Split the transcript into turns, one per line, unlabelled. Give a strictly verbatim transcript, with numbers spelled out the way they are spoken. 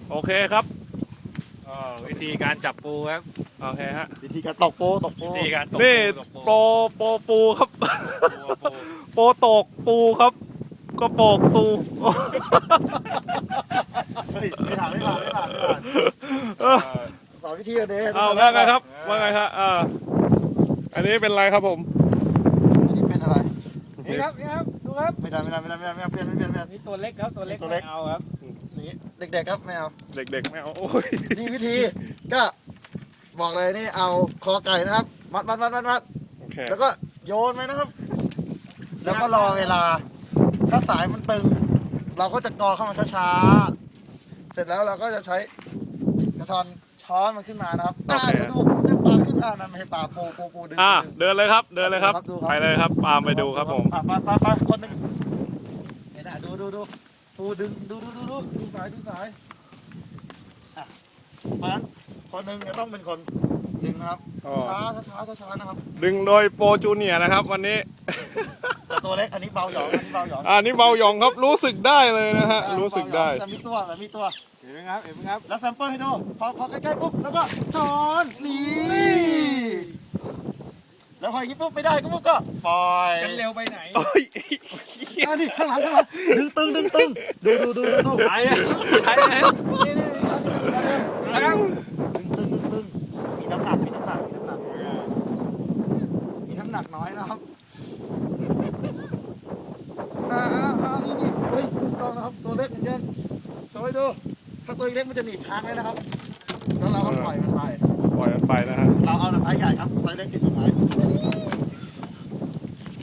โอเคครับ
อ๋อวิธีการจับปูครับ
โอเคฮะ
วิธีการตกโปตกโป
วิธีการตก
นี่
ตก
โปรโปรปูครับ
ปูปู
โปรตกปูครับก็โปกปู
เฮ้ยไม่ผ่านไม่ผ่านไม่ผ่านไม่ผ่าน
เออ
สอนวิธีกันเด้
เอาว่าไงครับว่าไงครับอ่าอันนี้เป็นไรครับผม
อันนี้เป็นอะไร
นี่ครับนี่ครับดูครับ
ไม่ได้ไม่ได้ไม่ได้ไม่ได้ไม่เอาเปลี่ยนไม่เปลี่ยนไม่เปลี่ยน
นี่ตัวเล็กครับตัวเล็ก
ตัวเล็ก
ไม่เอาครับ
นี่เด็กๆครับไม่เอา
เด็กๆไม่เอาโอ้ย
นี่วิธีก็บอกเลยนี่เอาคอไก่นะครับ มัดมัดมัดมัดมัด
โอเค
แล้วก็โยนไปนะครับ แล้วก็รอเวลา ถ้าสายมันตึง เราก็จะกอเข้ามาช้าๆเสร็จแล้วเราก็จะใช้กระชอนช้อนมันขึ้นมานะครับอ่าเดี๋ยวดูเดี๋ยวปลาขึ้นอ่านั่นไม่ใช่ปลาปูปูปูดึง
อ่า
ดึง
เดินเลยครับ เดินเลยครับ
ดูครับ
ไปเลยครับตามไปดูครับผม
อ่ะไปไปไปคนหนึ่งเห็นอ่ะดูดูดูปูดึงดูดูดูดูดูสายดูสายอ่ะเพราะฉะนั้นคนหนึ่งจะต้องเป็นคนดึงนะครับ
อ๋อ
ช้าช้าช้าช้านะครับ
ดึงโดยโปรจูเนียร์นะครับ วันนี้
แต่ตัวเล็กอันนี้เบาหยองอันนี้เบาหยอง
อ่านี่เบาหยองครับรู้สึกได้เลยนะฮะรู้สึกได้
แต่มีตัวแต่มีตัว
เห็นไหมครับเห็นไหมครับ
แล้วแซมเปิลให้ดูพอพอใกล้ๆปุ๊บแล้วก็ช้อนนี่แล้วพออย่างนี้ปุ๊บไม่ได้ก็ปุ๊บก็ปล่อย
กันเร็วไปไหน
โอ้ย
อ่ะนี่ข้างหลังข้างหลังดึงตึงดึงตึงดูดูดูดูดู
ไปเลยไปเลย
นี่นี่นี่อันนี้อันนี้
นะครับ
ดึงตึงดึงตึงมีน้ำหนักมีน้ำหนักมีน้ำหนักมีน้ำหนักน้อยนะครับอ่าอ่าอ่านี่นี่เฮ้ยถูกต้องนะครับตัวเล็กเหมือนกันโชว์ให้ดูถ้าตัวเล็กมันจะหนีบค้างเลยนะครับแล้วเราก็ปล่อยมันไป
ปล่อยมันไปนะฮะ
เราเอาแต่ไซส์ใหญ่ครับไซส์เล็กติดต้นไม้